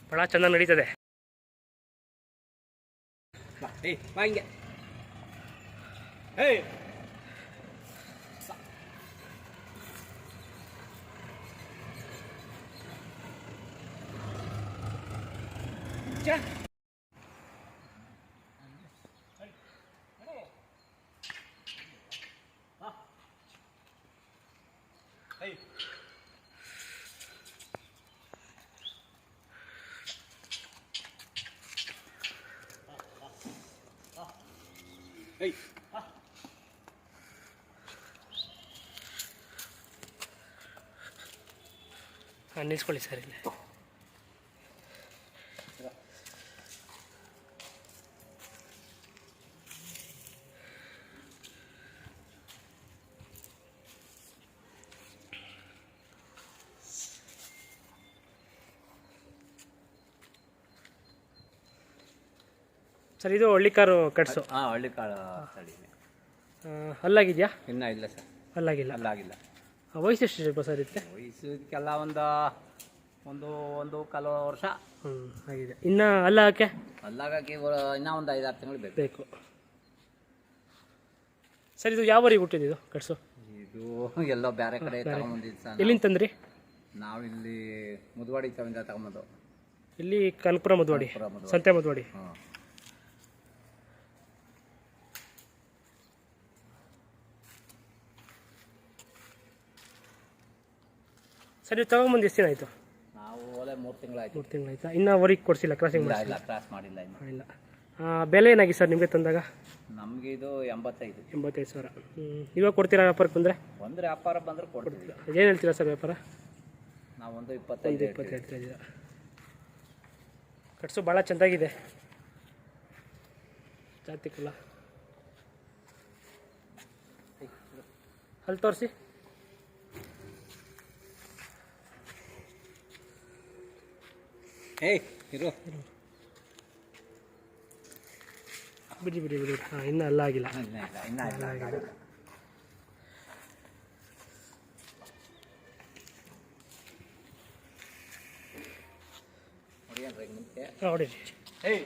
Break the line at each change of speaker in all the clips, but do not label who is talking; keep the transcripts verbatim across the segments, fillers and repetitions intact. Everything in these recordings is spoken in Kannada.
ಭಾಳ ಚೆನ್ನಾಗಿ ನಡೀತದೆ.
Hey.
ಹಾಂ ನಿಲ್ಸ್ಕೊಳ್ಳಿ ಸರ್ ಇಲ್ಲಿ. ಸರ್ ಇದು ಹಳ್ಳಿಕಾರು ಕಟ್ಸು.
ಹಾಂ ಹಳ್ಳಿಕಾಳು ತಳಿ.
ಅಲ್ಲಾಗಿದೆಯಾ?
ಇನ್ನೂ ಇಲ್ಲ ಸರ್,
ಅಲ್ಲಾಗಿಲ್ಲ.
ಅಲ್ಲಾಗಿಲ್ಲ.
ವಯಸ್ಸು ಎಷ್ಟು ಸರ್ ಇರುತ್ತೆ?
ವಯಸ್ಸು ಇದಕ್ಕೆಲ್ಲ ಒಂದು ಒಂದು ಒಂದು ಕಾಲು ವರ್ಷ
ಹ್ಞೂ ಆಗಿದೆ. ಇನ್ನು ಅಲ್ಲ ಹಾಕೆ
ಅಲ್ಲಾಗಕ್ಕೆ ಇನ್ನೂ ಒಂದು ಐದಾರು ತಿಂಗಳು ಬೇಕು
ಬೇಕು ಸರ್. ಇದು ಯಾವ ಊರಿಗೆ ಹುಟ್ಟಿದ್ದು ಇದು ಕಟ್ಸು?
ಇದು ಎಲ್ಲೋ ಬೇರೆ ಕಡೆ ತಗೊಂಬಂದಿದ್ದು ಸರ್.
ಎಲ್ಲಿಂದ ತಂದ್ರಿ?
ನಾವು ಇಲ್ಲಿ ಮುದ್ವಾಡಿ ತಗೊಂಡ ತಗೊಂಬಂದು.
ಇಲ್ಲಿ ಕನಕಪುರ ಮುದ್ವಾಡಿ, ಸಂತೆ ಮುದ್ವಾಡಿ.
ಹಾಂ.
ಸರ್ ನೀವು ತಗೊಂಬಂದು ಎಷ್ಟು ದಿನ ಆಯಿತು?
ನಾವು ಒಳ್ಳೆ ಮೂರು ತಿಂಗಳಾಯ್ತು.
ಮೂರು ತಿಂಗಳಾಯ್ತಾ? ಇನ್ನೂ ಅವರಿಗೆ ಕೊಡಿಸಿಲ್ಲ, ಕ್ರಾಸಿಂಗ್
ಇಲ್ಲ, ಕ್ರಾಸ್ ಮಾಡಿಲ್ಲ ಇನ್ನೂ.
ಇಲ್ಲ. ಬೆಲೆ ಏನಾಗಿ ಸರ್ ನಿಮಗೆ ತಂದಾಗ?
ನಮಗೆ ಇದು ಎಂಬತ್ತೈದು
ಎಂಬತ್ತೈದು ಸಾವಿರ. ಹ್ಞೂ ಇವಾಗ ಕೊಡ್ತೀರಾ ವ್ಯಾಪಾರಕ್ಕೆ ಬಂದರೆ?
ಬಂದರೆ ವ್ಯಾಪಾರ ಬಂದರೆ ಕೊಡ್ತೀವಿ.
ಏನು ಹೇಳ್ತೀರಾ ಸರ್ ವ್ಯಾಪಾರ?
ನಾವೊಂದು ಇಪ್ಪತ್ತೈದು
ಇಪ್ಪತ್ತು ಹೇಳ್ತಾ ಇದ್ದೀರಾ. ಕಟ್ಸು ಭಾಳ ಚೆಂದಾಗಿದೆ, ಜಾತಿ ಕುಲ. ಅಲ್ಲಿ ತೋರಿಸಿ.
ಏಯ್ ಇರು
ಬಿಡಿ ಬಿಡಿ ಬಿಡಿ. ಹಾಂ ಇನ್ನೂ ಅಲ್ಲ ಆಗಿಲ್ಲ.
ಇಲ್ಲ ಇಲ್ಲ ಇನ್ನೂ ಇಲ್ಲ ಆಗಿಲ್ಲ.
ನೋಡಿ.
ಏಯ್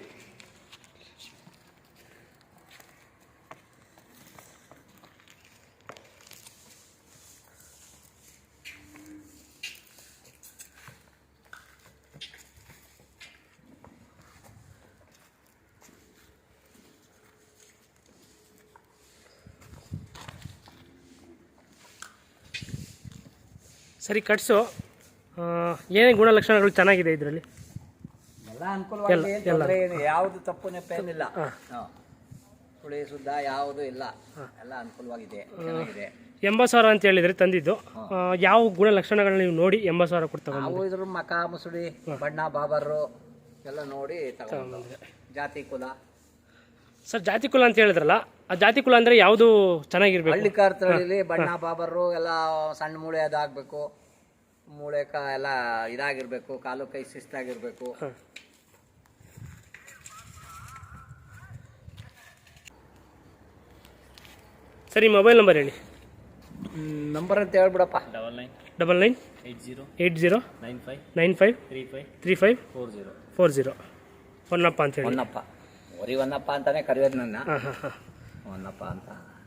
ಸರಿ ಕಟ್ಸು. ಏನೇ ಗುಣಲಕ್ಷಣಗಳು ಚೆನ್ನಾಗಿದೆ ಇದರಲ್ಲಿ?
ಎಲ್ಲ ಅನುಕೂಲವಾಗಿ, ಯಾವುದು ತಪ್ಪು ನೆಪ್ಪೇನಿಲ್ಲ. ಸುಳಿ ಸುದ್ದ ಯಾವುದು ಇಲ್ಲ, ಎಲ್ಲ ಅನುಕೂಲವಾಗಿದೆ, ಚೆನ್ನಾಗಿದೆ.
ಎಂಬತ್ತು ಸಾವಿರ ಅಂತ ಹೇಳಿದ್ರೆ ತಂದಿದ್ದು. ಯಾವ ಗುಣಲಕ್ಷಣಗಳನ್ನ ನೀವು ನೋಡಿ ಎಂಬತ್ತು ಸಾವಿರ ಕೊಡ್ತಾ?
ನಾವು ಇದ್ರ ಮಕ ಮುಸುಡಿ ಬಣ್ಣ ಬಾಬರು ಎಲ್ಲ ನೋಡಿ ತಗೊಂಡ್ರೆ. ಜಾತಿ ಕುಲ
ಸರ್, ಜಾತಿ ಕುಲ ಅಂತ ಹೇಳಿದ್ರಲ್ಲ, ಆ ಜಾತಿ ಕುಲ ಅಂದರೆ ಯಾವುದು ಚೆನ್ನಾಗಿರ್ಬೇಕು?
ಹಳ್ಳಿಕಾರ್ ತಳಿಲಿ ಬಣ್ಣ ಬಾಬರು ಎಲ್ಲ ಸಣ್ಣ ಮೂಳೆ ಅದಾಗಬೇಕು, ಮೂಳೆ ಕ ಎಲ್ಲ ಇದಾಗಿರ್ಬೇಕು, ಕಾಲು ಕೈ ಶಿಸ್ತಾಗಿರ್ಬೇಕು.
ಸರಿ ಮೊಬೈಲ್ ನಂಬರ್ ಹೇಳಿ.
ನಂಬರ್ ಅಂತ ಹೇಳ್ಬಿಡಪ್ಪ.
Double nine
double nine
eight zero
eight zero
nine five
nine five
three five
three five
four zero
four zero. Honnappa ಅಂತ ಹೇಳಿ.
ಹೊನ್ನಪ್ಪ, ಒರಿ ಹೊನ್ನಪ್ಪ ಅಂತಾನೆ ಕರೆಯೋದು ನನ್ನ.
ಹಾಂ ಹಾಂ ಹಾಂ
ಹೊನ್ನಪ್ಪ ಅಂತ.